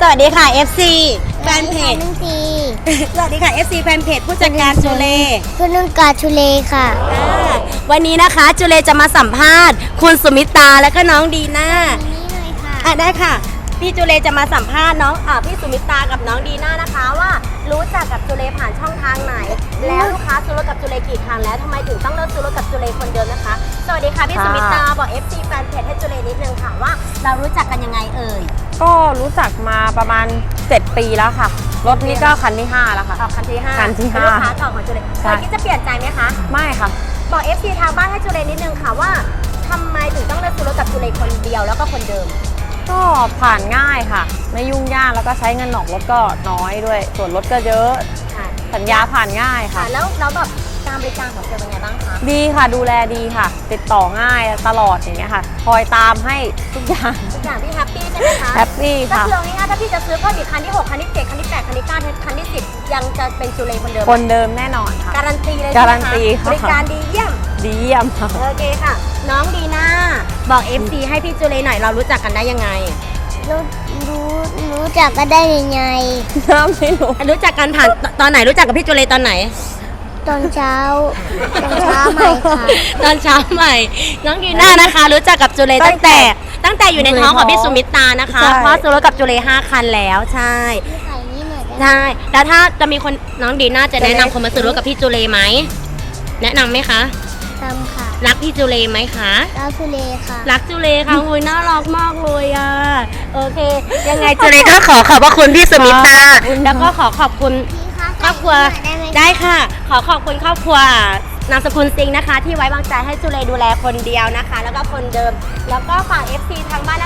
วัสดีค่ะ FC แฟนเพจนุ่งทีสวัสดีค่ะ FC แฟนเพจผู้จัดการจูเลคุณนุ่งกาชุเลค่ะวันนี้นะคะจูเลจะมาสัมภาษณ์คุณสุมิตาและก็น้องดีน่านี่เลยค่ะได้ค่ะพี่จูเลจะมาสัมภาษณ์น้องพี่สุมิตากับน้องดีน่านะคะว่ารู้จักกับจูเลผ่านช่องทางไหน แล้วลูกค้าซื้อรถกับจูเลกี่ครั้งแล้วทำไมถึงต้องเลิกซื้อรถกับจูเลคนเดิมนะคะสวัสดีค่ะพี่สุมิตาบอก FC แฟนเพจให้จูเลนิดนึงค่ะว่าเรารู้จักกันยังไงเอ่ยก็รู้จักมาประมาณ7 ปีแล้วค่ะ รถนี้ก็คันที่ 5 แล้วค่ะคันที่5 คันที่ห้าลูกค้าเก่าของจูเลใช่เคยคิดจะเปลี่ยนใจไหมคะไม่ค่ะบอก FC ทางบ้านให้จูเลนิดนึงค่ะว่าทำไมถึงต้องเลิกซื้อรถกับจูเลคนเดียวแล้วก็คนเดิมก็ผ่านง่ายค่ะ ไม่ยุ่งยากแล้วก็ใช้เงินออกรถก็น้อยด้วย ส่วนรถก็เยอะค่ะสัญญาผ่านง่ายค่ะแล้วแบบการบริการของเซลล์เป็นไงบ้างคะดีค่ะดูแลดีค่ะ ติดต่อง่ายตลอดอย่างเงี้ยค่ะ คอยตามให้ทุกอย่างทุกอย่างพี่แฮปปี้ใช่ไหมคะแฮปปี้ก็ค่ะคือเอาง่ายๆถ้าพี่จะซื้อก็อีกคันที่ 6 คันที่ 7 คันที่ 8 คันที่ 9 คันที่ 10 ยังจะเป็นจูเลคนเดิมคนเดิมแน่นอนค่ะการันตีเลยการันตีใช่ไหมคะค่ะบริการดีเยี่ยมดีเยี่ยมค่ะโอเคค่ะ น้องดีน่าบอก FC ให้พี่จูเลหน่อยเรารู้จักกันได้ยังไงรู้จักก็ได้ยังไงน้ำไม่รู้รู้จักกันผ่านตอนไหนรู้จักกับพี่จูเลตอนไหนตอนเช้าใหม่ค่ะตอนเช้าใหม่ น้องดีน่านะคะ รู้จักกับจูเลตั้งแต่อยู่ในท้องของพี่สุมิตานะคะใช่เพราะซื้อรถกับจูเล5 คันแล้วใช่พี่ไข่นี่หน่อยได้ไหมใช่แล้วถ้าจะมีคนน้องดีน่าจะแนะนำคนมาซื้อรถกับพี่จูเลไหมแนะนำไหมคะทำค่ะรักพี่จูเลไหมคะดาวชุเลค่ะรักจูเลค่ะโอ้ยน่ารักมากเลยอ่ะโอเค ยังไงจูเลก็ขอขอบพระคุณพี่สุมิตาแล้วก็ขอขอบคุณพี่คะครอบครัวใส่นี่หน่อยได้ไหมได้ค่ะ ขอขอบคุณครอบครัวนามสกุลซิงนะคะ ที่ไว้วางใจให้จูเลดูแลคนเดียวนะคะ แล้วก็คนเดิม แล้วก็ฝาก FC ทางบ้าน